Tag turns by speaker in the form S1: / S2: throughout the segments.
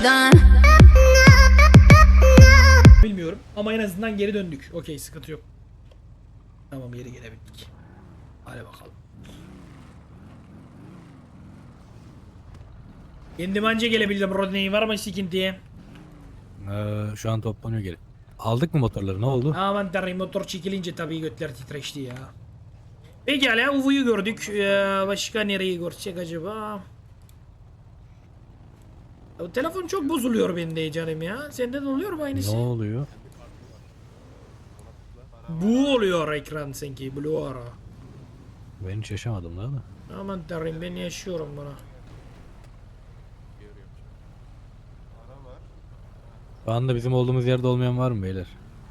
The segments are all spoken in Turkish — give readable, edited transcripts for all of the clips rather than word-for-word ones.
S1: Bilmiyorum ama en azından geri döndük. Okey, sıkıntı yok. Tamam, geri gelebildik. Hadi bakalım. Kendim anca gelebildim. Rodney var mı sıkıntıya?
S2: Şu an toplanıyor geri. Aldık mı motorları, ne oldu?
S1: Aman tanrım, motor çekilince tabii götler titreşti ya. Pekala, Uvu'yu gördük. Başka nereyi görsek acaba? Ya, telefon çok bozuluyor bende canım ya. Sende de oluyor mu
S2: Ne
S1: aynısı?
S2: oluyor?
S1: Bu oluyor ekran sanki. Blur.
S2: Ben hiç yaşamadım daha da.
S1: Aman tanrım, ben yaşıyorum bunu.
S2: Şu anda bizim olduğumuz yerde olmayan var mı beyler?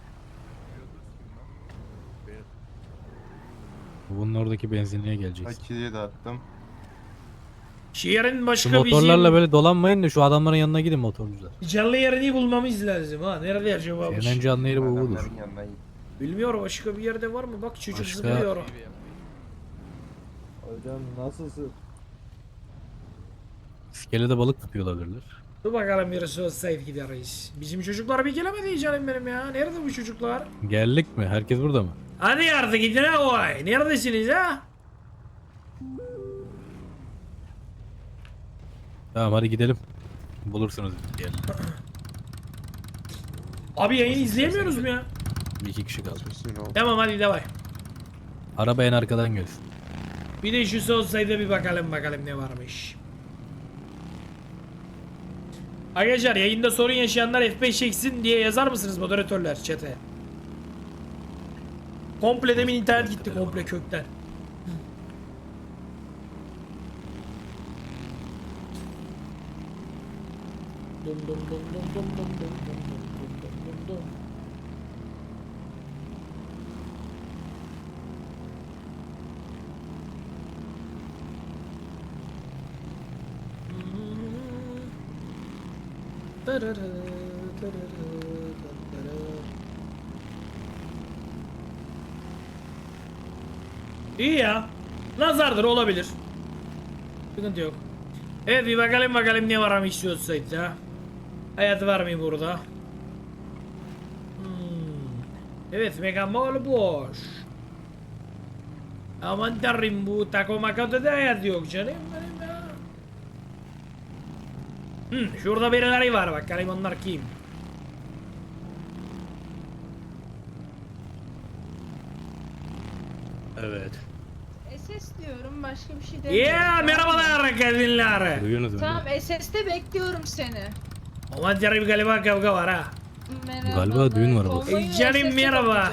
S2: Bunun oradaki benzinliğe geleceğiz.
S3: Akiye de attım.
S1: Şehrin
S2: Şu
S1: başka
S2: motorlarla
S1: bizim
S2: böyle dolanmayın da şu adamların yanına gidin motorcular.
S1: canlı yerini bulmamız lazım ha. Nerede acaba bu?
S2: En canlı yeri bu budur.
S3: Adamların yanına git.
S1: Bilmiyorum, başka bir yerde var mı? Bak çocuk
S2: Başka-
S1: zıplıyor.
S4: Hocam nasılsın?
S2: İskelede balık tutuyor olabilirler.
S1: Dur bakalım, birisi olsaydı gideriz. Bizim çocuklar bir gelemedi canım benim ya. Nerede bu çocuklar?
S2: Geldik mi? Herkes burada mı?
S1: Hadi artık gidin ha oy. Neredesiniz ha?
S2: Tamam hadi gidelim. Bulursunuz bir yer.
S1: Abi yayını izleyemiyoruz mu ya?
S2: Bir iki kişi kaldı.
S1: Tamam, hadi devam.
S2: Araba en arkadan gelsin.
S1: Bir de şu olsaydı bir bakalım ne varmış. Arkadaşlar, yayında sorun yaşayanlar F5 çeksin diye yazar mısınız moderatörler chat'e? Komple demin internet gitti komple kökten. Dum dum dum dum dum dum dum dum dum dum dum dum. İyi ya. Nazardır, olabilir. Sıkıntı yok. Evet, bir bakalım ne var istiyorsa ya. Hayat var mı burada? Evet, Mega Mall boş. Aman tanrım, bu Taco Mako'da da hayat yok canım benim ya. Şurada birileri var, bakalım onlar kim?
S2: Evet.
S5: SS diyorum, başka bir şey demiyorum.
S1: Yeah, merhabalar kadınlar.
S2: Duyuyorsunuz beni.
S5: Tamam, SS'te bekliyorum seni.
S1: Aman tanrım, galiba kavga var ha.
S5: Merhaba.
S2: Galiba düğün var burada.
S1: Canım, merhaba.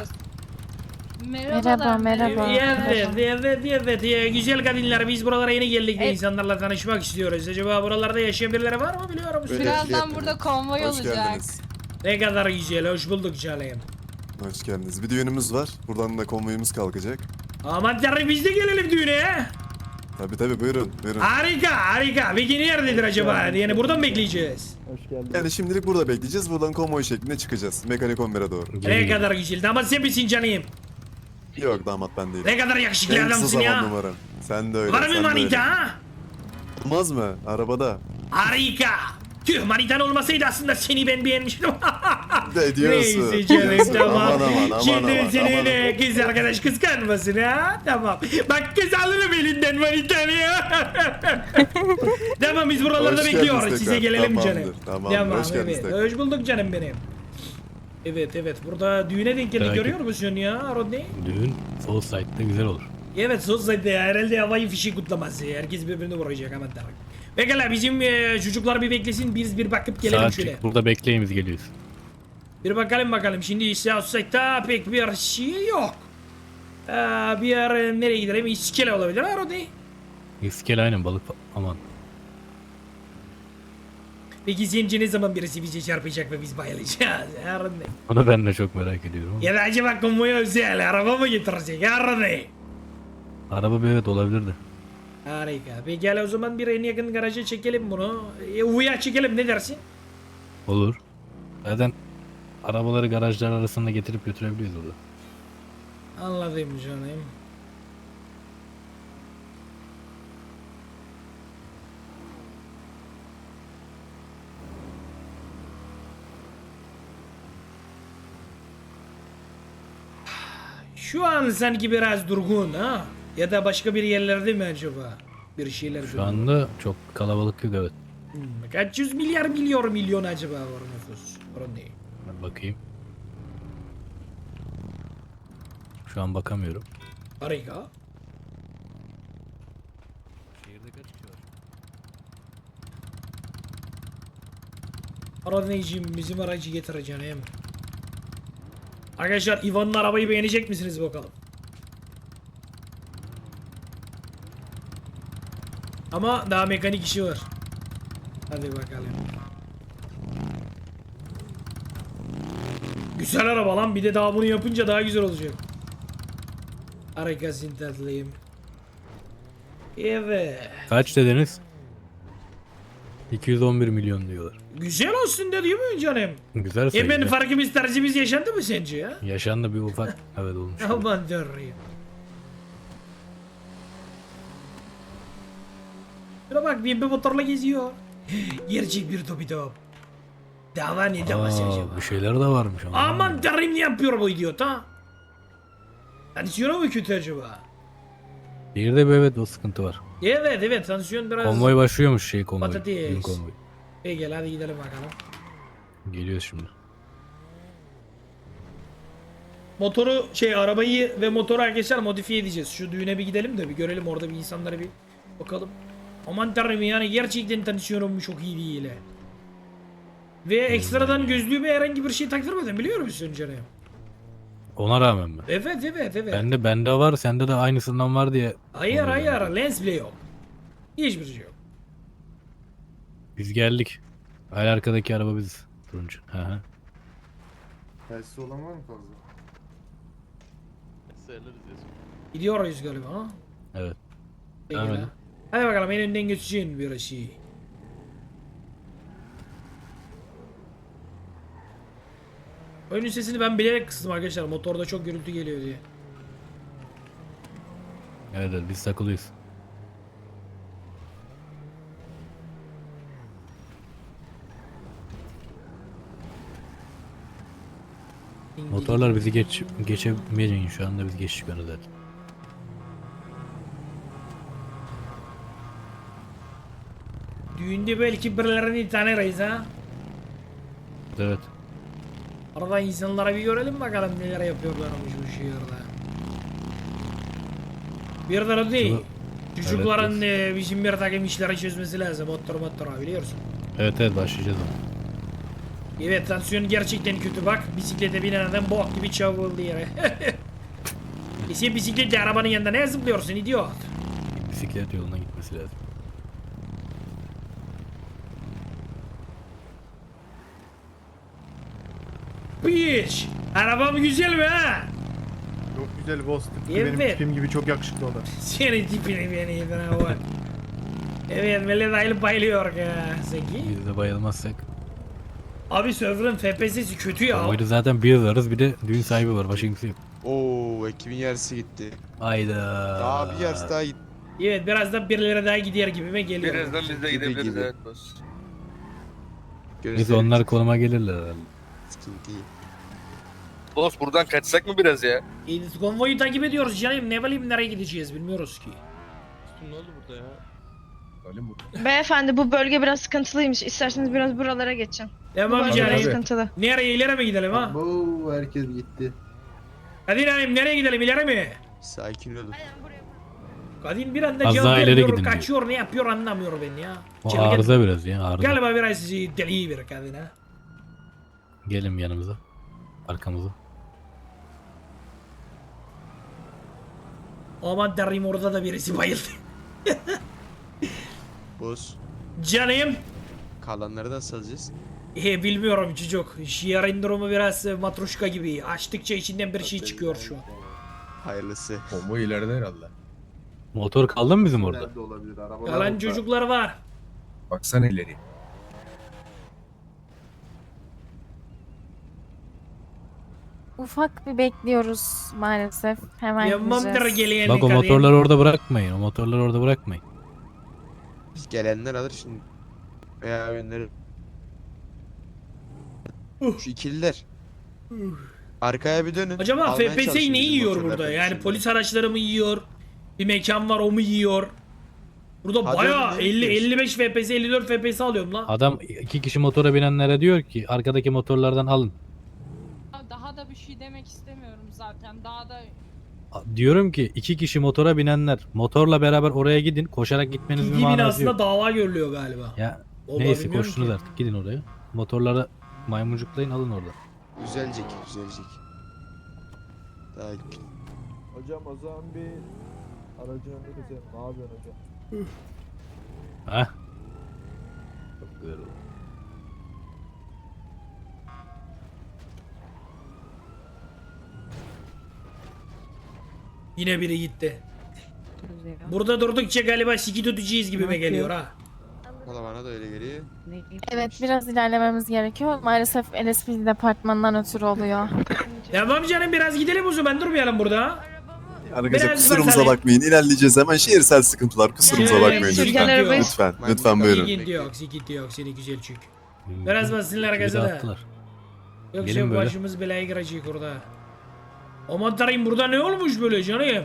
S5: Merhaba.
S1: Evet, güzel kadınlar, biz buralara yeni geldik ve
S5: Evet.
S1: insanlarla tanışmak istiyoruz. Acaba buralarda yaşayan birileri var mı, biliyor musun?
S5: Birazdan burada konvoy
S6: Hoş
S5: olacak.
S6: geldiniz.
S1: Ne kadar güzel, hoş bulduk canım.
S6: Hoş geldiniz. Bir düğünümüz var. Buradan da konvoyumuz kalkacak.
S1: Aman tanrım, biz de gelelim düğüne.
S6: Tabi buyurun. Buyurun.
S1: Harika. Peki nerededir acaba? Yani buradan mı bekleyeceğiz?
S4: Hoş geldin.
S6: Yani şimdilik burada bekleyeceğiz. Buradan konvoy şeklinde çıkacağız. Mekanik 11'e doğru.
S1: Ne kadar güzel. Damat sen misin canım?
S6: Yok damat ben değilim.
S1: Ne kadar yakışıklı
S6: En kısa
S1: adamsın
S6: zaman
S1: ya.
S6: numaram. Sen de öyle.
S1: Var mı
S6: sen de
S1: manita
S6: öyle.
S1: ha?
S6: Olmaz mı? Arabada.
S1: Harika. Tüh, manitan olmasaydı aslında seni ben beğenmiştim.
S6: Ne diyorsun?
S1: Neyse canım,
S6: Diyorsun.
S1: tamam.
S6: Aman,
S1: Şimdi senin
S6: aman.
S1: kız arkadaş kıskanmasın ha. Tamam. Bak, kız alırım elinden manitanı ya. Tamam, biz buralarda
S6: Hoş
S1: bekliyoruz.
S6: geldiniz
S1: Size
S6: tekrar.
S1: gelelim
S6: Tamamdır,
S1: canım.
S6: tamamdır. Hoş geldiniz
S1: evet.
S6: tekrar.
S1: Hoş bulduk canım benim. Evet. Burada düğüne denk geldik,
S2: Takip.
S1: görüyor musun ya Rodney?
S2: Düğün Soul Side'da güzel olur.
S1: Evet, sözde ya, herhalde havai fişi kutlaması. Herkes birbirini vuracak, aman tanrım. Pekala, bizim çocuklar bir beklesin, biz bir bakıp gelelim şöyle.
S2: Saatçik burada bekleyin, biz geliyoruz.
S1: Bir bakalım. Şimdi Southside'da pek bir şey yok. Bir yer nereye gidelim? İskele olabilir ha Rodney?
S2: İskele aynen balık aman.
S1: Peki sence ne zaman birisi bize çarpacak ve biz bayılacağız ha Rodney?
S2: Onu ben de çok merak ediyorum.
S1: Ya da acaba konvoya özel araba mı getirecek ha Rodney?
S2: Araba bir evet olabilirdi.
S1: Harika. Pekala, o zaman bir en yakın garaja çekelim bunu. Uya çekelim, ne dersin?
S2: Olur. Zaten arabaları garajlar arasında getirip götürebiliyoruz orada.
S1: Anladım canım. Şu an sanki biraz durgun ha. Ya da başka bir yerlerde mi acaba? Bir şeyler
S2: Şu anda çok kalabalık yok, evet.
S1: Kaç yüz milyar milyon acaba var nüfus? Orada değil.
S2: Ben bakayım. Şu an bakamıyorum.
S1: Harika.
S2: Şehirde kaç kişi var?
S1: Aranayıcım bizim aracı getireceğim. Arkadaşlar Ivan'ın arabayı beğenecek misiniz bakalım? Ama daha mekanik işi var. Hadi bakalım. Güzel araba lan, bir de daha bunu yapınca daha güzel olacak. Harikasın tatlıyım. Evet.
S2: Kaç dediniz? 211 milyon diyorlar.
S1: Güzel olsun da değil mi canım?
S2: Güzel sayı.
S1: Hemen farkımız tercihimiz yaşandı mı sence ya?
S2: Yaşandı bir ufak. Evet, olmuş.
S1: Aman tanrım. Şuna bak, bir motorla geziyor. Gerçek bir topi top. Dava ne davası acaba?
S2: Bir şeyler de varmış ama.
S1: Aman tanrım, ne yapıyor bu idiot ha? Tansiyonu mu kötü acaba?
S2: Bir de bir, evet, o sıkıntı var.
S1: Evet tansiyon biraz...
S2: Konvoy başlıyormuş, konvoy.
S1: Patates.
S2: Düğün konvoy.
S1: İyi gel hadi gidelim bakalım.
S2: Geliyoruz şimdi.
S1: Motoru arabayı ve motoru arkadaşlar modifiye edeceğiz. Şu düğüne bir gidelim de bir görelim orada bir insanlara bir bakalım. Aman tanrım, yani gerçekten tansiyonum çok iyi değil. Ve ekstradan gözlüğüme herhangi bir şey taktırmadım, biliyor musun canım?
S2: Ona rağmen mi?
S1: Evet.
S2: Bende var, sende de aynısından var diye.
S1: Hayır
S2: Ona rağmen.
S1: lens bile yok. Hiçbir şey yok.
S2: Biz geldik. Hala arkadaki araba biziz. Turuncu. Hı hı.
S3: Telsiz olan var mı fazla?
S1: Gidiyoruz galiba ha?
S2: Evet.
S1: İyi
S2: Devam
S1: gel
S2: edin.
S1: ha. Hadi bakalım, en önden geçeceğin bir şey. Oyunun sesini ben bilerek kıstım arkadaşlar, motorda çok gürültü geliyor diye.
S2: Evet, biz takılıyız. Motorlar bizi geçemeyecek, şu anda biz geçtik onu zaten.
S1: Düğünde belki birilerini tanırız ha.
S2: Evet.
S1: Arada insanlara bir görelim bakalım neler yapıyorlarmış bu şehirde. Bir de o değil.
S2: Şunu-
S1: Çocukların
S2: Evet,
S1: bizim bir takım işleri çözmesi lazım. Motor biliyorsun.
S2: Evet, başlayacağız ama.
S1: Evet, tansiyon gerçekten kötü bak. Bisiklete binen adam bok gibi çavuldu yere. Sen bisikletle arabanın yanında ne zıplıyorsun idiot?
S2: Bisiklet yoluna gitmesi lazım.
S1: Piç! Arabam güzel mi ha?
S3: Çok güzel boss. Tıpkı
S1: Evet.
S3: benim tipim gibi çok yakışıklı o da.
S1: Senin tipini beni yedin var. Evet, millet ayılıp bayılıyor ya. Zeki.
S2: Biz de bayılmazsak.
S1: Abi server'ın FPS'si kötü ya.
S2: Konvoyda zaten bir varız, bir de düğün sahibi var. Başka kimse yok.
S4: Oo, ekibin yarısı gitti.
S2: Hayda.
S4: Daha bir yarısı daha gitti.
S1: Evet, birazdan birileri daha gider gibime geliyor.
S7: Birazdan biz de
S4: Gibi
S7: gidebiliriz,
S4: gibi.
S7: evet boss.
S2: Biz onlar konuma gelirler herhalde.
S4: Sıkıntı değil.
S7: Boss buradan kaçsak mı biraz ya?
S1: Konvoyu takip ediyoruz canım. Ne bileyim nereye gideceğiz bilmiyoruz ki.
S7: Ne oldu burada ya?
S8: Beyefendi bu bölge biraz sıkıntılıymış. İsterseniz biraz buralara geçin. Bu
S1: Tamam
S8: bölge
S1: canım.
S8: biraz sıkıntılı.
S1: Nereye, ileri mi gidelim ha?
S3: Bu herkes gitti.
S1: Hadi Naim, nereye gidelim, ileri mi?
S4: Sakin olun.
S1: Kadın bir anda
S2: Az
S1: cevap
S2: daha ileri
S1: vermiyor,
S2: gidin diyor.
S1: kaçıyor, ne yapıyor anlamıyor ben ya.
S2: O
S1: Çılgın.
S2: arıza biraz ya, arıza.
S1: Galiba biraz deli bir kadın ha.
S2: Gelin yanımıza. Arkamıza.
S1: Aman tanrım, orada da birisi bayıldı.
S4: Boss.
S1: Canım.
S4: Kalanları nasıl alacağız?
S1: Bilmiyorum çocuk. Şiarın durumu biraz matruşka gibi. Açtıkça içinden bir şey çıkıyor şu an.
S4: Hayırlısı.
S9: Combo ileride herhalde.
S2: Motor kaldı mı bizim orada?
S3: Nerede olabilir? Arabalar
S1: Kalan
S3: orada.
S1: çocuklar var.
S9: Baksana ileri.
S10: Ufak bir bekliyoruz maalesef. Hemen
S1: Yapmamdır
S10: gideceğiz.
S1: geleyen
S2: Bak o
S1: kadın.
S2: motorları orada bırakmayın. O motorları orada bırakmayın.
S4: Gelenler alır şimdi. Veya yönleri. Şu ikililer. Arkaya bir dönün.
S1: Acaba
S4: Almaya çalışın
S1: FPS'yi ne
S4: bizim
S1: yiyor
S4: motorlar
S1: burada? Yani
S4: FPS'ini.
S1: polis araçları mı yiyor? Bir mekan var o mu yiyor? Burada
S4: Hadi
S1: bayağı
S4: oğlum, ne
S1: 55 FPS 54 FPS alıyorum lan.
S2: Adam 2 kişi motora binenlere diyor ki arkadaki motorlardan alın.
S5: Daha da bir şey demek istemiyorum zaten. Daha da
S2: Diyorum ki 2 kişi motora binenler motorla beraber oraya gidin. Koşarak gitmenizin bir
S1: TT
S2: manası
S1: binasında
S2: yok.
S1: dava görülüyor galiba.
S2: Ya
S1: Vallahi
S2: neyse
S1: bilmiyorum
S2: koştunuz
S1: ki.
S2: artık gidin oraya. Motorları maymuncuklayın alın orada.
S4: Düzelecek, düzelecek. Daha ilk gün.
S3: Hocam o zaman bir aracın önünde keselim. Ne yapıyorsun hocam?
S2: Hah. Çok güzel oldu.
S1: Yine biri gitti. Burada durdukça galiba siki tutacağız gibime geliyor ha.
S4: Valla bana da öyle geliyor.
S10: Evet biraz ilerlememiz gerekiyor. Maalesef LSPD departmanından ötürü oluyor.
S1: Tamam canım biraz gidelim o zaman durmayalım burada.
S6: Arkadaşlar
S1: Biraz
S6: kusurumuza
S1: bakalım.
S6: bakmayın. İlerleyeceğiz hemen. Şehirsel sıkıntılar. Kusurumuza
S1: Evet,
S6: bakmayın
S1: sürgen
S6: lütfen.
S10: arabayı-
S6: Lütfen.
S4: Maymun
S6: Lütfen
S4: kaldı.
S6: buyurun.
S1: Sıkıntı yok seni güzel çük. Biraz bassınlar
S2: Bir de
S1: gaza da.
S2: attılar.
S1: Yoksa
S2: Gelin böyle.
S1: başımız belaya girecek orada. Aman tanrım burada ne olmuş böyle canım?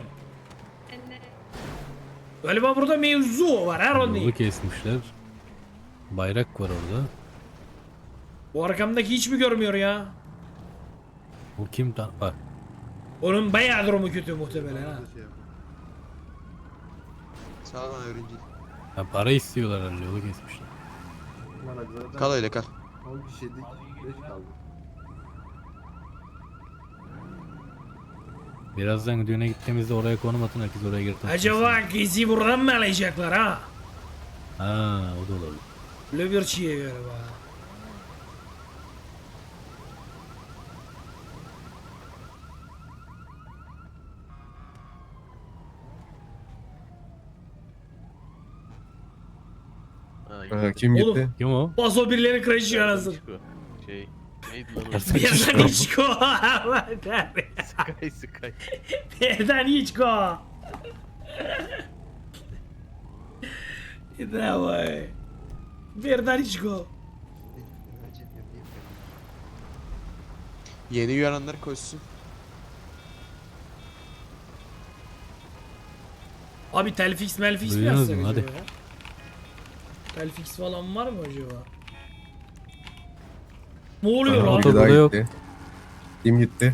S1: Galiba burada mevzu var ha Rodney.
S2: Yolu kesmişler. Bayrak var orada.
S1: Bu arkamdaki hiç mi görmüyor ya?
S2: Bu kim bak.
S1: Onun bayağı durumu kötü muhtemelen ha.
S4: Sağ ol lan öğrenci.
S2: Ya para istiyorlar herhalde yolu kesmişler.
S4: Kal öyle kal.
S3: 10 kişiydik. 5 kaldı.
S2: Birazdan düğüne gittiğimizde oraya konum atın herkes oraya girsin.
S1: Acaba kızı buradan mı alacaklar ha?
S2: Ha o da olabilir.
S1: Öyle bir şey galiba.
S9: Kim
S1: Oğlum.
S9: gitti?
S2: Kim o?
S1: Paso birileri crash'ıyor anasını.
S7: Şey, neydi lan o?
S1: Birden hiç go. Aman tanrım.
S7: Sky.
S1: Birden hiç go. Bravo. Birden hiç go.
S4: Yeni uyananlar koşsun.
S1: Abi telfix melfix mi
S2: Duyuyorsunuz
S1: yazsak
S2: mu?
S1: acaba
S2: Hadi.
S1: ya? Telfix falan var mı acaba? Ne oluyor
S2: Aha,
S1: lan?
S2: oto-
S9: Biri daha
S2: burada yok.
S9: gitti. Kim gitti?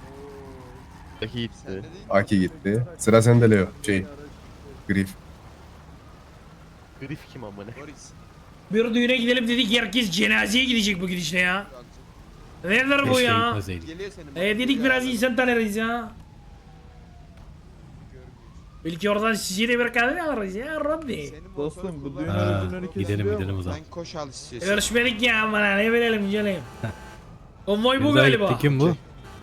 S7: Gitti.
S9: Aki gitti. Sıra sende Leo. Grif.
S7: Grif kim amına?
S4: Boris.
S1: Bir düğüne gidelim dedik herkes cenazeye gidecek bu gidişle ya. Nedir bu
S2: Keşke
S1: ya?
S2: gitmeseydik.
S4: Geliyor senin.
S1: Dedik biraz insan tanırız ya. Belki oradan sizi de bir kadın alırız ya Rodney.
S4: Senin
S3: Dostum,
S4: motoru
S3: bu
S4: kullan.
S3: düğün
S2: Ha,
S3: aracının önü
S2: gidelim
S3: kesiliyor
S2: gidelim
S3: mu?
S2: o zaman.
S4: Sen koş al istiyorsan.
S1: Görüşmedik ya bana ne verelim canım. Konvoy bu
S2: Biri daha
S1: galiba.
S2: gitti. Kim bu?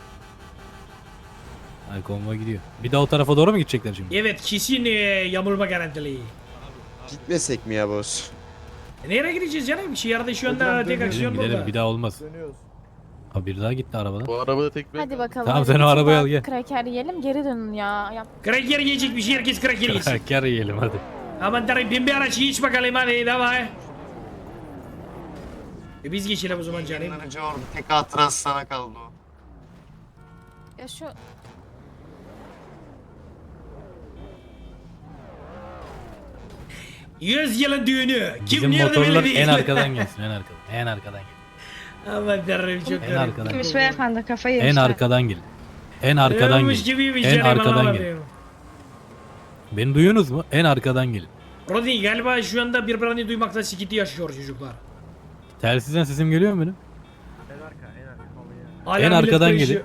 S2: Ay konvoy gidiyor. Bir daha o tarafa doğru mu gidecekler şimdi?
S1: Evet kesin yamulma garantili.
S4: Gitmesek mi ya boss?
S1: Nereye gideceğiz canım? Şehirde şu anda
S3: Hocam,
S1: tek
S3: dönüyoruz.
S1: aksiyon
S2: Gidelim
S1: burada.
S2: bir daha olmaz.
S3: Dönüyoruz.
S2: Ha bir daha gitti arabadan.
S7: Bu arabada tek ben
S10: Hadi bakalım.
S2: Tamam,
S10: hadi
S2: sen o
S10: bir
S2: arabayı al,
S10: sabah
S2: gel.
S10: Kraker yiyelim geri dönün ya.
S1: Kraker yiyecek bir şey herkes kraker yesin.
S2: Kar yiyelim hadi.
S1: Aman tanrım bin bir araç hiç bakalım hadi davay. Biz geçelim o zaman canım.
S3: Aracı orada. Tek hatırası sana kaldı o.
S10: Ya şu
S1: 100 yılın düğünü. Kim
S2: Bizim
S1: nerede
S2: motorlar
S1: belli değil.
S2: en arkadan gelsin en arkadan. En arkadan gelin.
S1: Aman tanrım çok
S2: En
S1: garip.
S2: arkadan.
S8: Kimmiş beyefendi kafayı
S2: En
S8: yemişler.
S2: arkadan gelin. En arkadan
S1: Ölmüş
S2: gelin.
S1: gibiymiş
S2: En
S1: canım,
S2: arkadan
S1: Allah'ım
S2: gelin.
S1: diyorum.
S2: Beni duyuyorsunuz mu? En arkadan gelin.
S1: Rodney galiba şu anda birbirini duymakta sıkıntı yaşıyor çocuklar.
S2: Telsizden sesim geliyor mu benim?
S1: Hala
S2: En
S1: millet
S2: arkadan
S1: karışıyor.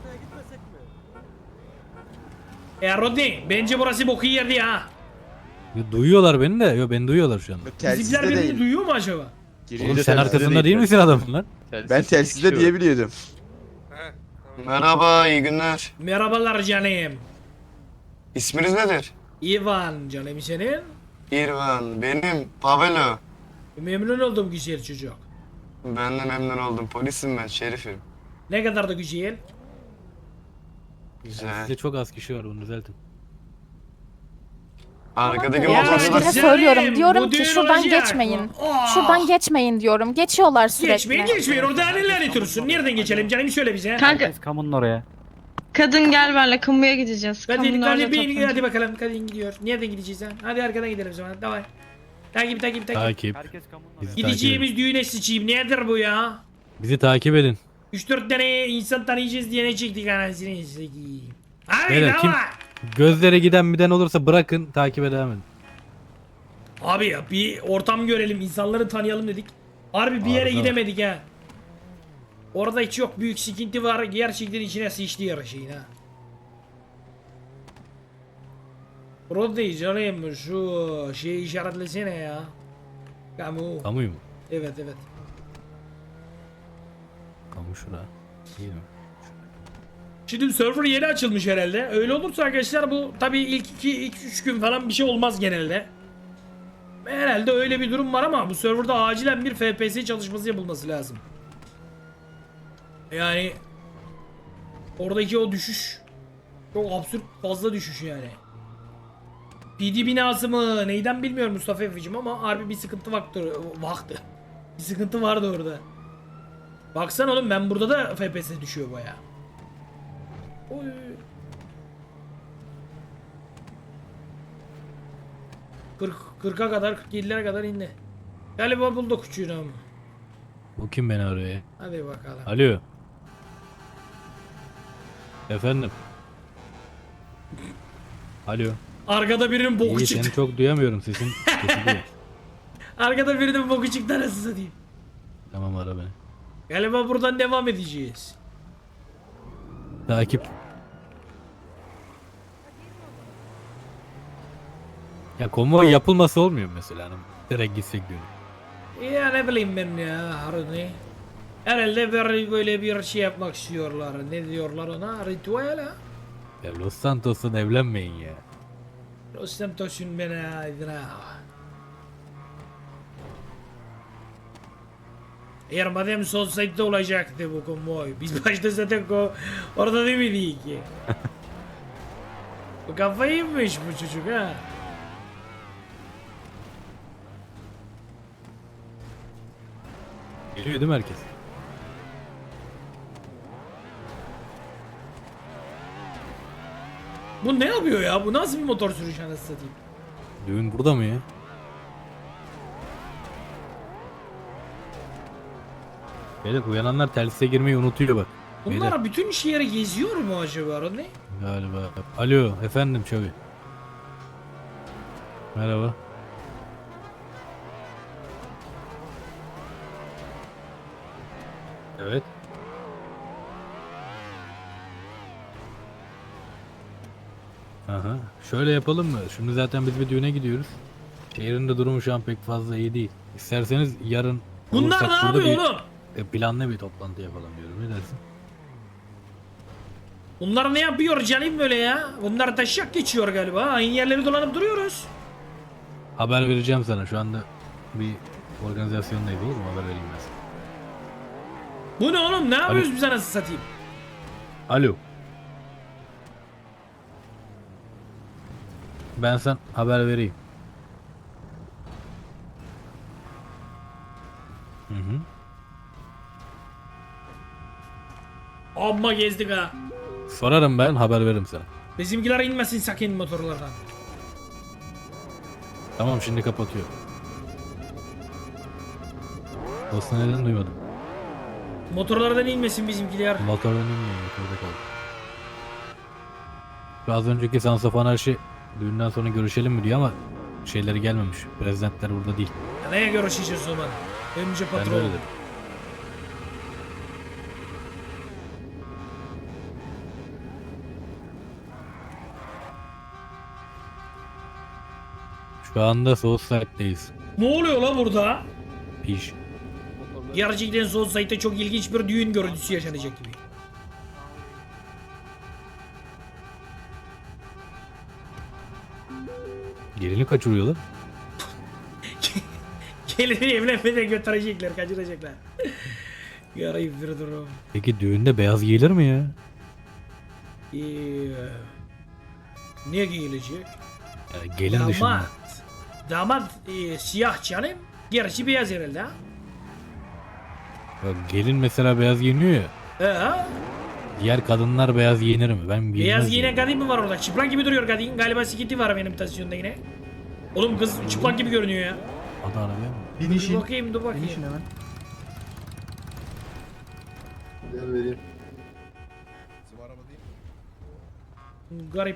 S1: Rodney bence burası boku yerdi ha.
S2: Yo, duyuyorlar beni de. Yo beni duyuyorlar şu anda.
S1: Bizimkiler
S4: Telsizde
S1: birbirini
S4: değil.
S1: duyuyor mu acaba?
S4: Giriyor.
S2: Oğlum sen
S7: telsizde
S2: arkasında
S7: değil,
S2: değil misin adamın lan?
S4: Ben telsizde diye biliyordum.
S3: Merhaba, iyi günler.
S1: Merhabalar canım.
S3: İsminiz nedir?
S1: Ivan canım senin.
S3: İrvan, benim Pavelo.
S1: Memnun oldum güzel çocuk.
S3: Ben de memnun oldum. Polisim ben, şerifim.
S1: Ne kadar da güzel.
S3: Güzel.
S2: Sizde çok az kişi var bunu düzeltin.
S9: Arkadaki
S10: Ya
S9: motorcu da
S10: size söylüyorum, diyorum
S1: bu
S10: ki
S1: düğün
S10: şuradan
S1: olacak.
S10: geçmeyin.
S1: Aa!
S10: Şuradan geçmeyin diyorum. Geçiyorlar sürekli.
S1: Geçmeyin orada neler itiyorsun? Nereden geçelim canım söyle bize.
S8: Kanka
S2: Kamunun oraya.
S8: kadın gel benimle kamuya gideceğiz.
S1: Hadi
S8: Kamunun orada
S1: hadi
S8: toplanacağız.
S1: hadi bakalım kadın gidiyor. Nereden gideceğiz ha? Hadi arkadan gidelim o zaman. Davay. Takip.
S2: Takip. Bizi
S1: Gideceğimiz düğüne sıçayım. Nedir bu ya?
S2: Bizi takip edin.
S1: 3-4 tane insan tanıyacağız diye ne çektik anasını sikeyim. Hadi
S2: Beyler, kim-
S1: davay.
S2: Gözlere giden olursa bırakın takibe devam edin.
S1: Abi ya bir ortam görelim, insanları tanıyalım dedik. Harbi bir yere
S2: Harbi.
S1: gidemedik ha. Orada hiç yok büyük sıkıntı var. Gerçekten içine sıçtı yarı şeyin ha. Rodney canım şu şeyi işaretlesene ya. Kamu.
S2: Kamuyu mu?
S1: Evet.
S2: Kamu şura. Değil mi?
S1: Şimdi server yeni açılmış herhalde. Öyle olursa arkadaşlar bu tabii ilk 2-3 gün falan bir şey olmaz genelde. Herhalde öyle bir durum var ama bu serverda acilen bir FPS çalışması yapılması lazım. Yani oradaki o düşüş çok absürt fazla düşüş yani. PD binası mı neyden bilmiyorum Mustafa Efe'cim ama harbi bir sıkıntı vardı. Bir sıkıntı vardı orada. Baksana oğlum ben burada da FPS düşüyor baya. Oy. Kırka kadar 47'lere kadar indi. Galiba bulduk uçuğunu ama.
S2: Bu kim beni arıyor?
S1: Hadi bakalım.
S2: Alo. Efendim. Alo.
S1: Arkada birinin boku
S2: İyi
S1: çıktı.
S2: seni çok duyamıyorum sesin kesiliyor.
S1: Arkada birinin boku çıktı nasıl satayım.
S2: Tamam ara beni.
S1: Galiba buradan devam edeceğiz.
S2: Takip. Ya konvoy yapılması olmuyor mu mesela hani direkt gitsek diyorum.
S1: Ya ne bileyim ben ya Haruni. Herhalde böyle bir şey yapmak istiyorlar. Ne diyorlar ona? Ritüel ha?
S2: Ya Los Santos'un evlenmeyin ya.
S1: Los Santos'un bana aydına. Eğer madem sol side'de olacaktı bu konvoy. Biz başta zaten orada değil miydik ki? Bu kafayı yemiş bu çocuk ha.
S2: Geliyor değil mi herkes?
S1: Bu ne yapıyor ya? Bu nasıl bir motor sürüşü anasını satayım?
S2: Düğün burada mı ya? Beyler uyananlar telsize girmeyi unutuyor bak.
S1: Bunlar
S2: Beyler.
S1: bütün şehri geziyor mu acaba ne?
S2: Galiba. Alo efendim Çavi. Merhaba. Evet. Aha. Şöyle yapalım mı? Şimdi zaten biz bir düğüne gidiyoruz. Şehrin de durumu şu an pek fazla iyi değil. İsterseniz yarın
S1: Bunlar
S2: olursak
S1: ne
S2: burada
S1: yapıyor oğlum?
S2: planlı bir toplantı yapalım diyorum. Ne dersin?
S1: Bunlar ne yapıyor canım böyle ya? Bunlar taşak geçiyor galiba. Aynı yerleri dolanıp duruyoruz.
S2: Haber vereceğim sana. Şu anda bir organizasyondayız olur mu? Haber vereyim ben sana.
S1: Bu ne oğlum? Ne yapıyoruz biz anasını satayım?
S2: Alo. Ben sana haber vereyim. Hı hı.
S1: Amma gezdik ha.
S2: Sorarım ben haber veririm sana.
S1: Bizimkiler inmesin sakın motorlardan.
S2: Tamam şimdi kapatıyorum. Aslında neden duymadım.
S1: Motorlardan inmesin bizimkiler.
S2: Motordan inmiyor. Motorda kaldı. Şu az önceki Sansa anarşi düğünden sonra görüşelim mi diyor ama şeyleri gelmemiş. Prezidentler burada değil.
S1: Ya neye görüşeceğiz o zaman? Önce
S2: Ben
S1: patron.
S2: öyle dedim. Şu anda Southside'deyiz.
S1: Ne oluyor la burada?
S2: Piş.
S1: Gerçekten son site'de çok ilginç bir düğün görüntüsü yaşanacak gibi.
S2: Gelini kaçırıyorlar.
S1: Gelini evlenmeden götürecekler, kaçıracaklar. Yarayıp bir durum.
S2: Peki düğünde beyaz giyilir mi ya?
S1: Ne giyilecek?
S2: Yani gelin dışında.
S1: Damat. Damat siyah canım. Gerisi beyaz herhalde ha.
S2: Bak, gelin mesela beyaz giyiniyor ya.
S1: Ha?
S2: Diğer kadınlar beyaz giyinir mi? Ben
S1: Beyaz
S2: giyinmez
S1: giyinen
S2: yani.
S1: kadın mı var orada? Çıplak gibi duruyor kadın. Galiba sikiti var benim tansiyonda yine. Oğlum kız çıplak gibi görünüyor ya.
S2: Hadi arabaya mı?
S1: Dur bakayım dur bakayım.
S9: Gel vereyim.
S1: Garip.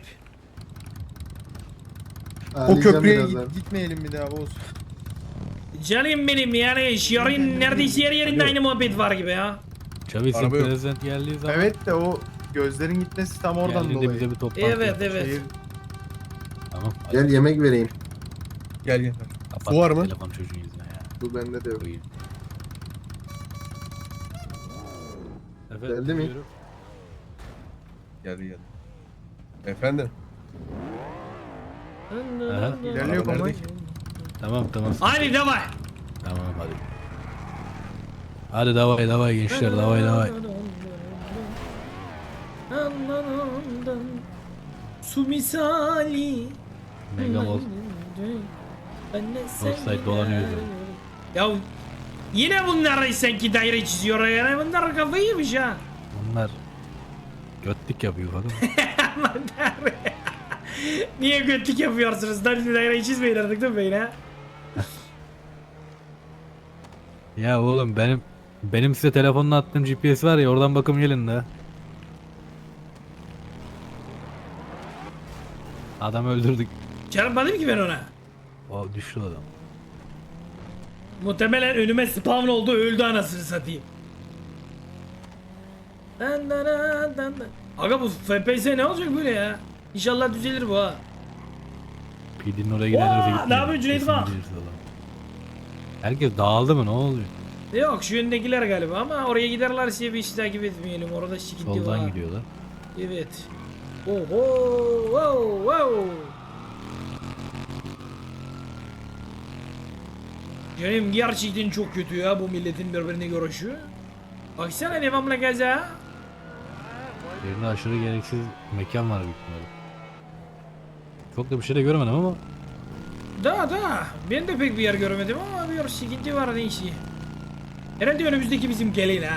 S9: O köprüye gitmeyelim bir daha Oğuz.
S1: Canım benim yani şiarın neredeyse her yerinde aynı muhabbet var gibi ya.
S2: Çavi sen
S9: Araba yok.
S2: prezident geldiği zaman
S11: Evet de o gözlerin gitmesi tam oradan
S2: geldiğinde
S11: dolayı.
S2: bize bir toplantı
S1: Evet
S2: yap.
S1: evet.
S2: Tamam.
S9: Gel yemek vereyim. Gel gel.
S2: Kapat
S9: Su var mı?
S2: telefon çocuğun yüzüne ya.
S9: Bu bende de yok.
S2: Koyayım. Efendim,
S9: Geldi mi?
S2: buyurun.
S9: Geldi. Efendim?
S2: Aha.
S11: İlerliyor konvoy.
S2: Tamam tamam.
S1: Haydi devam.
S2: Tamam hadi. Hadi davay gençler davay.
S1: Su misali.
S2: Mega Mall. Offside dolanıyor.
S1: Ya yine bunlar sanki daire çiziyor yani bunlar kafayı yemiş ha.
S2: Bunlar götlük yapıyor bakın.
S1: Aman tanrım. Niye götlük yapıyorsunuz? Daireyi çizmeyin artık değil mi beyler?
S2: Ya oğlum benim size telefonla attığım GPS var ya oradan bakım gelin de. Adam öldürdük.
S1: Çarpmadım ki ben ona.
S2: O düştü adam.
S1: Muhtemelen önüme spawn oldu öldü anasını satayım. Aga bu FPS ne olacak böyle ya? İnşallah düzelir bu ha.
S2: PD'nin oraya gidenler de gitmiyor.
S1: ne yapıyorsun Cüneyt
S2: Kesin
S1: bak?
S2: gideriz adam. Herkes dağıldı mı ne oluyor?
S1: Yok şu yöndekiler galiba ama oraya giderlerse bir iş takip etmeyelim. Orada sıkıntı var.
S2: Soldan gidiyorlar.
S1: Evet. Oho, wow, wow. Canım gerçekten çok kötü ya bu milletin birbirine görüşü. Baksana devamlı gaza.
S2: Yerinde aşırı gereksiz mekan var büyük ihtimalle. Çok da bir şey de görmedim ama.
S1: Da ben de pek bir yer görmedim ama bir sıkıntı var neyse. Herhalde önümüzdeki bizim gelin ha.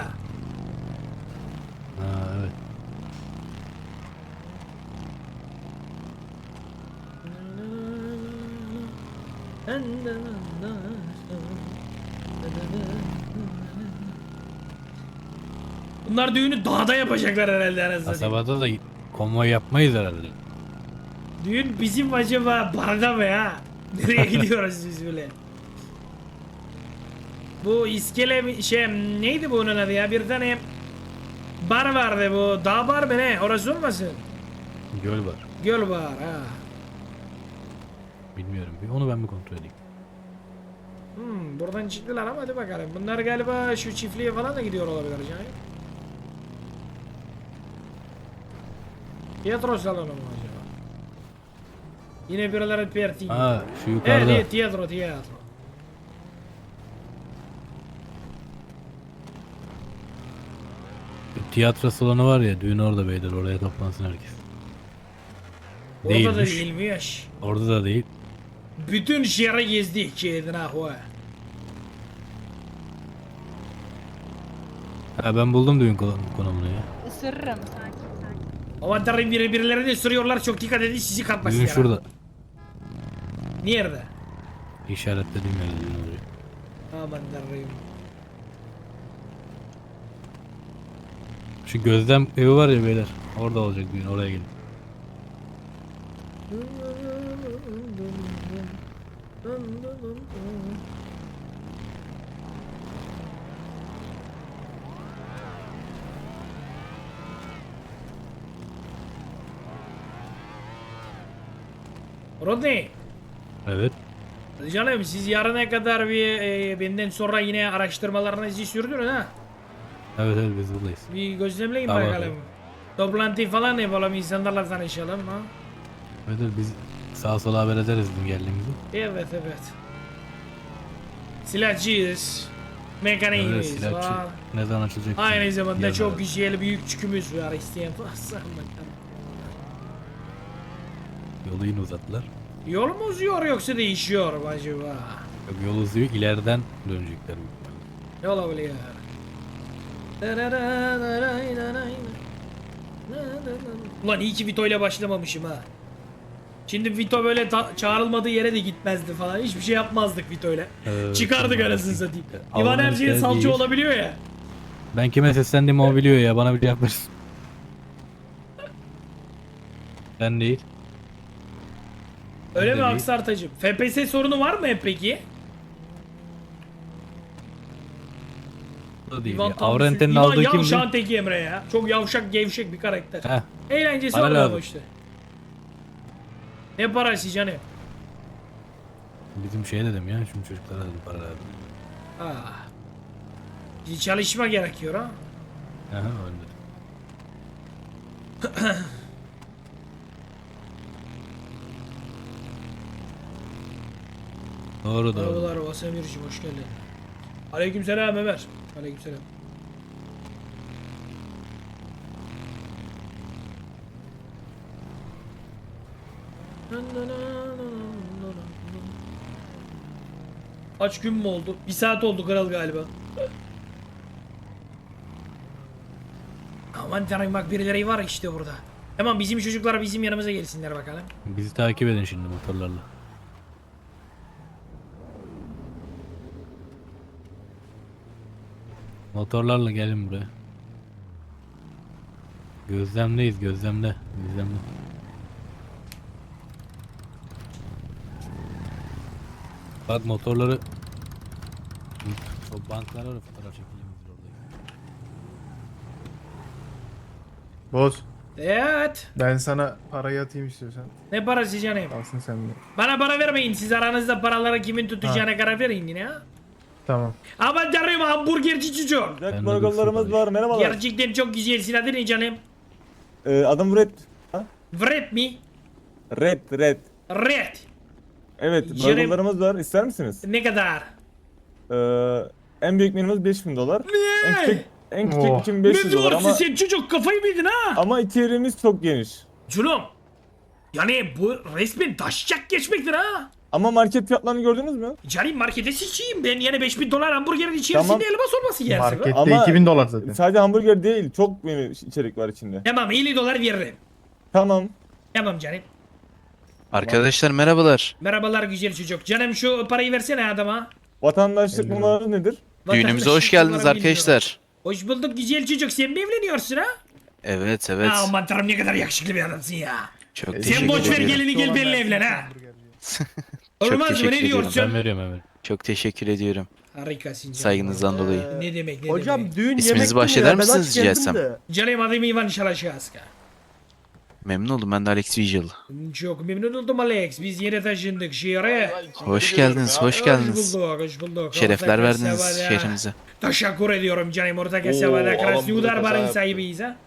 S2: Ha evet.
S1: Bunlar düğünü dağda yapacaklar herhalde anasını satayım.
S2: Kasabada da konvoy yapmayız herhalde.
S1: Düğün bizim acaba barda mı ya? Nereye gidiyoruz biz böyle? Bu iskele neydi bu onun adı ya? Bir tane bar vardı bu. Dağ bar mı ne? Orası olmasın?
S2: Göl var.
S1: Göl var ha.
S2: Bilmiyorum. Bir onu ben bir kontrol edeyim.
S1: Buradan çıktılar ama hadi bakalım. Bunlar galiba şu çiftliğe falan da gidiyor olabilir canım. Tiyatro salonu mu acaba? Yine birileri perti.
S2: Aa şu yukarıda.
S1: Evet tiyatro.
S2: Tiyatro salonu var ya düğün orada beyler oraya toplansın herkes.
S1: Orada da
S2: Değilmiş.
S1: değilmiş.
S2: Orada da değil.
S1: Bütün şehri gezdik kedine ahva.
S2: Ha ben buldum düğün konumunu ya.
S5: Isırırım sakin.
S1: Aman tanrım birilerini ısırıyorlar çok dikkat edin sizi kapmasın.
S2: Düğün şurada.
S1: Nerede?
S2: İşaretlediğim yerde düğün oluyor.
S1: Aman tanrım.
S2: Şu gözlem evi var ya beyler. Orada olacak düğün oraya gelin.
S1: Rodney.
S2: Evet.
S1: Canım siz yarına kadar bir benden sonra yine araştırmalarınızı sürdürün ha.
S2: Evet biz buradayız.
S1: Bir gözlemleyin
S2: Tamam.
S1: bakalım. Toplantı falan yapalım insanlarla tanışalım ha.
S2: Evet biz sağa sola haber ederiz düğün geldiğimizi.
S1: Evet. Silahçıyız. Mekaniğimiz
S2: Evet silahçı.
S1: var.
S2: Ne zaman açılacak?
S1: Aynı zamanda
S2: Yarın
S1: çok
S2: haber.
S1: güzel büyük çükümüz var isteyen varsa.
S2: Yolu yine uzattılar.
S1: Yol mu uzuyor yoksa değişiyor mu acaba?
S2: Yok, yol uzuyor, ileriden dönecekler büyük ihtimalle.
S1: Ne olabilir? Ulan iyi ki Vito ile başlamamışım ha. Şimdi Vito böyle çağrılmadığı yere de gitmezdi falan. Hiçbir şey yapmazdık Vito ile. Çıkardık anasını satayım. İvan her şeye salça olabiliyor ya.
S2: Ben kime seslendiğimi o biliyor ya, bana bir cevap versin. Ben değil.
S1: Öyle
S2: Ben
S1: mi
S2: de değil.
S1: Aksartacığım? FPS sorunu var mı hep peki?
S2: O değil.
S1: İvan
S2: Ya.
S1: tam
S2: Avrente'nin
S1: İvan
S2: aldığı kimdi?
S1: yavşağın teki Emre ya. Çok yavşak gevşek bir karakter.
S2: Heh.
S1: Eğlencesi
S2: Para
S1: var ama
S2: lazım.
S1: işte. Ne parası canım?
S2: Bizim şey dedim ya, şimdi çocuklara dedim para lazım.
S1: Ah. Bir çalışma gerekiyor ha.
S2: Aha öyle dedim. Doğru doğru.
S1: Merhabalar Vasemir'cim hoş geldin. Aleykümselam Ömer. Aleykümselam. Kaç gün mü oldu? Bir saat oldu kral galiba. Aman tanrım bak birileri var işte burada. Tamam bizim çocuklar bizim yanımıza gelsinler bakalım.
S2: Bizi takip edin şimdi motorlarla. Motorlarla gelin buraya. Gözlemdeyiz, gözlemde. Gözlemde. Bak motorları... O banklara da fotoğraf çekildiğimiz oradayız.
S11: Boz.
S1: Evet.
S11: Ben sana parayı atayım istiyorsan.
S1: Ne parası canım?
S11: Alsın sen de.
S1: Bana para vermeyin. Siz aranızda paraları kimin tutacağına karar verin yine ha.
S11: Tamam.
S1: Aman tanrım hamburgerci çocuk.
S2: Ben de burgerlarımız var.
S3: Merhabalar.
S1: Gerçekten çok güzelsin. Adı ne canım?
S3: Adım Red.
S1: Vret mi?
S3: Red.
S1: Red.
S3: Evet,
S1: Canım.
S3: burgerlarımız var. İster misiniz?
S1: Ne kadar?
S3: En büyük menümüz 5000 dolar. En küçük
S11: Oh.
S3: 2500
S1: Ne
S3: dolar
S1: diyorsun
S3: ama
S1: sen çocuk kafayı mı yedin ha?
S3: ama içeriğimiz çok geniş.
S1: Culum. Yani bu resmen taşacak geçmektir ha.
S3: Ama market fiyatlarını gördünüz mü?
S1: Canım markete sıçayım ben yani 5000 dolar hamburgerin içerisinde
S3: Tamam.
S1: elmas olması gelsin.
S11: Markette
S3: Ama-
S11: 2000 dolar zaten.
S3: Sadece hamburger değil, çok menü içerik var içinde.
S1: Tamam 50 dolar veririm.
S3: Tamam.
S1: Tamam canım.
S7: Arkadaşlar merhabalar.
S1: Merhabalar güzel çocuk. Canım şu parayı versene adama.
S3: Vatandaşlık numaraları nedir?
S7: Düğünümüze
S1: Vatandaşlık
S7: hoş geldiniz
S1: numaramı bilmiyorum.
S7: arkadaşlar.
S1: Hoş bulduk güzel çocuk. Sen mi evleniyorsun ha?
S7: Evet evet.
S1: Aman tanrım ne kadar yakışıklı bir adamsın ya.
S7: Çok
S1: Sen
S7: teşekkür
S1: boş ver
S7: ediyorum.
S1: gelini gel benimle evlen ha.
S7: Çok
S1: Olmaz mı
S7: teşekkür
S1: ne
S7: ediyorum.
S1: diyorsun?
S2: Ben veriyorum hemen.
S7: Çok teşekkür ediyorum.
S1: Harikasın canım.
S7: Saygınızdan dolayı.
S1: Ne demek ne
S3: Hocam
S1: demek.
S3: düğün
S7: İsminizi bahşeder misiniz rica etsem?
S1: Canım adım Ivan Şalaşaska.
S7: Memnun oldum, ben de Alex Vigil.
S1: Çok memnun oldum Alex. Biz yeni taşındık şehre.
S7: Hoş geldiniz, hoş geldiniz.
S1: Hoş bulduk.
S7: Şerefler
S1: Orta
S7: verdiniz
S1: kasabada.
S7: şehrimize.
S1: Teşekkür ediyorum canım. Orta kasabada Krasnodar barın sahibiyiz ha.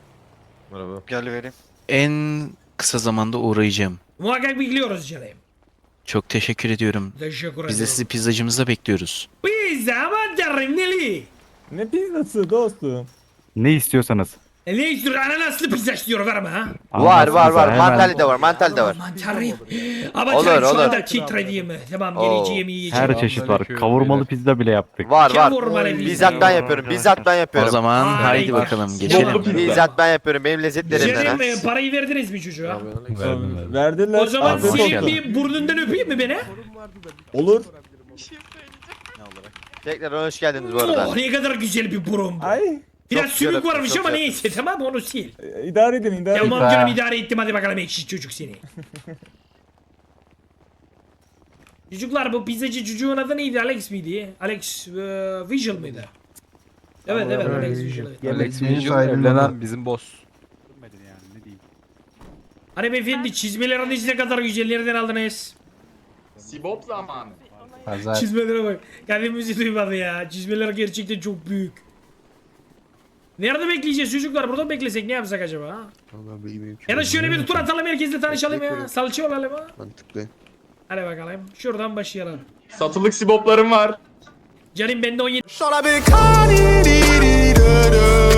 S7: En kısa zamanda uğrayacağım.
S1: Muhakkak bekliyoruz canım.
S7: Çok teşekkür ediyorum.
S1: Teşekkür
S7: Biz de
S1: ediyorum.
S7: sizi pizzacımızda bekliyoruz.
S1: Pizza aman tanrım neli?
S3: Ne pizzası dostum?
S9: Ne istiyorsanız.
S1: Ne istiyor? Ananaslı pizza istiyor verme ha.
S9: Var. Mantarlı da var.
S1: Aman tanrım. Ama
S4: Olur,
S1: canım şu
S4: olur.
S1: anda titrediğim. Tamam geleceğim yiyeceğim.
S9: çeşit var. Kavurmalı pizza bile yaptık.
S1: Kavurmalı pizza.
S4: Bizzat ben
S7: O zaman
S1: Harika.
S7: haydi bakalım geçelim.
S4: ben yapıyorum. Benim lezzetlerimden
S1: Canım parayı verdiniz mi çocuğa?
S2: Verdim.
S3: Verdiler.
S1: O zaman
S7: Afiyet
S1: senin
S7: olsun.
S1: bir burnundan öpeyim mi beni?
S3: Olur.
S4: Tekrar hoş geldiniz
S1: Oh ne kadar güzel bir burun bu.
S3: Ay.
S1: Biraz
S4: Çok
S1: sümük
S4: güzel,
S1: varmış
S4: çok
S1: ama
S4: güzel.
S1: neyse tamam onu sil.
S3: İdare edin, idare edin.
S1: Tamam canım idare ettim hadi bakalım ekşi çocuk seni. Çocuklar bu pizzacı çocuğun adı neydi? Alex miydi? Alex Vigil miydi? Evet evet Alex Vigil. Evet.
S11: Alex evlenen
S6: bizim boss.
S1: Hanımefendi çizmeleriniz ne kadar güzel nereden aldınız?
S6: Sibop zamanı.
S1: Çizmelere bak. Kendimizi duymadı ya. Çizmeler gerçekten çok büyük. Nerede bekleyeceğiz çocuklar? Burada mı beklesek ne yapsak acaba? Ha? Ya da şöyle bir tur atalım herkesle tanışalım ya. Salça olalım ha.
S4: Mantıklı.
S1: Hadi bakalım. Şuradan başlayalım.
S6: Satılık siboplarım var.
S1: Canım bende 17.
S6: Şöyle bir